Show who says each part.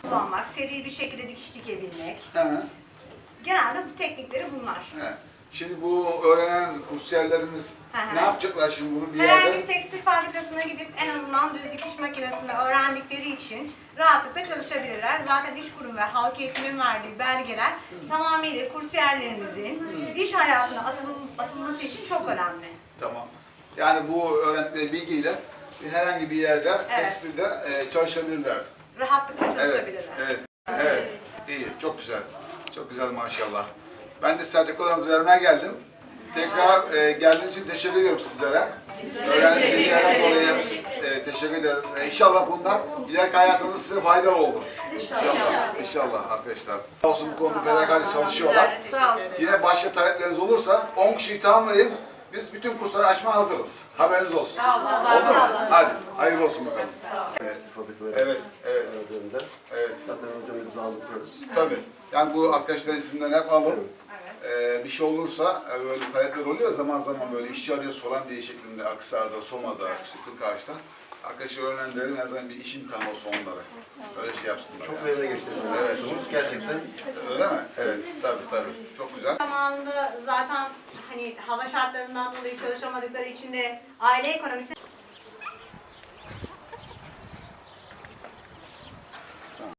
Speaker 1: kullanmak, seri bir şekilde dikiş dikebilmek.
Speaker 2: He.
Speaker 1: Genelde bu teknikleri bunlar.
Speaker 2: He. Şimdi bu öğrenen kursiyerlerimiz ne yapacaklar şimdi bunu bir
Speaker 1: Herhangi
Speaker 2: yerde?
Speaker 1: bir tekstil fabrikasına gidip en azından düz dikiş makinesini öğrendikleri için rahatlıkla çalışabilirler. Zaten iş kurum ve halk eğitimin verdiği belgeler tamamıyla kursiyerlerimizin iş hayatına atılması için çok önemli.
Speaker 2: Tamam. Yani bu öğrendikleri bilgiyle herhangi bir yerde tekstilde çalışabilirler.
Speaker 1: Rahatlıkla
Speaker 2: Evet,
Speaker 1: çalışabilirler.
Speaker 2: evet, evet. İyi, çok güzel. Çok güzel maşallah. Ben de sertifikalarınızı vermeye geldim. Tekrar geldiğiniz için teşekkür ediyorum sizlere. Öğrendiğiniz bilgilerden dolayı teşekkür ederiz. İnşallah bunlar ileriki hayatınızda size faydalı olur. İnşallah, inşallah arkadaşlar. Sağ olsun bu konuda fedakarca çalışıyorlar.
Speaker 1: Sağ olsun.
Speaker 2: Yine başka talepleriniz olursa 10 kişiyi tamamlayın. Biz bütün kursları açmaya hazırız. Haberiniz olsun. Oldu mu? Hadi, hayırlı olsun bakalım. Evet, evet. Evet.
Speaker 3: Zaten hocamızla alıyoruz.
Speaker 2: Tabii. Yani bu arkadaşların isimlerini hep alın. Bir şey olursa böyle talepler oluyor zaman zaman böyle işçi arıyor soran diye şeklinde Aksar'da, Soma'da, işte Kırkağaç'ta. Arkadaşı öğrencilerin her zaman bir iş imkanı olsun onlara. Öyle şey yapsınlar.
Speaker 3: Çok
Speaker 2: yani.
Speaker 3: verimli geçti.
Speaker 2: Evet.
Speaker 3: Gerçekten.
Speaker 2: Öyle mi? Evet. Tabii. Çok güzel.
Speaker 1: Zamanında zaten hani hava şartlarından dolayı çalışamadıkları için de aile ekonomisine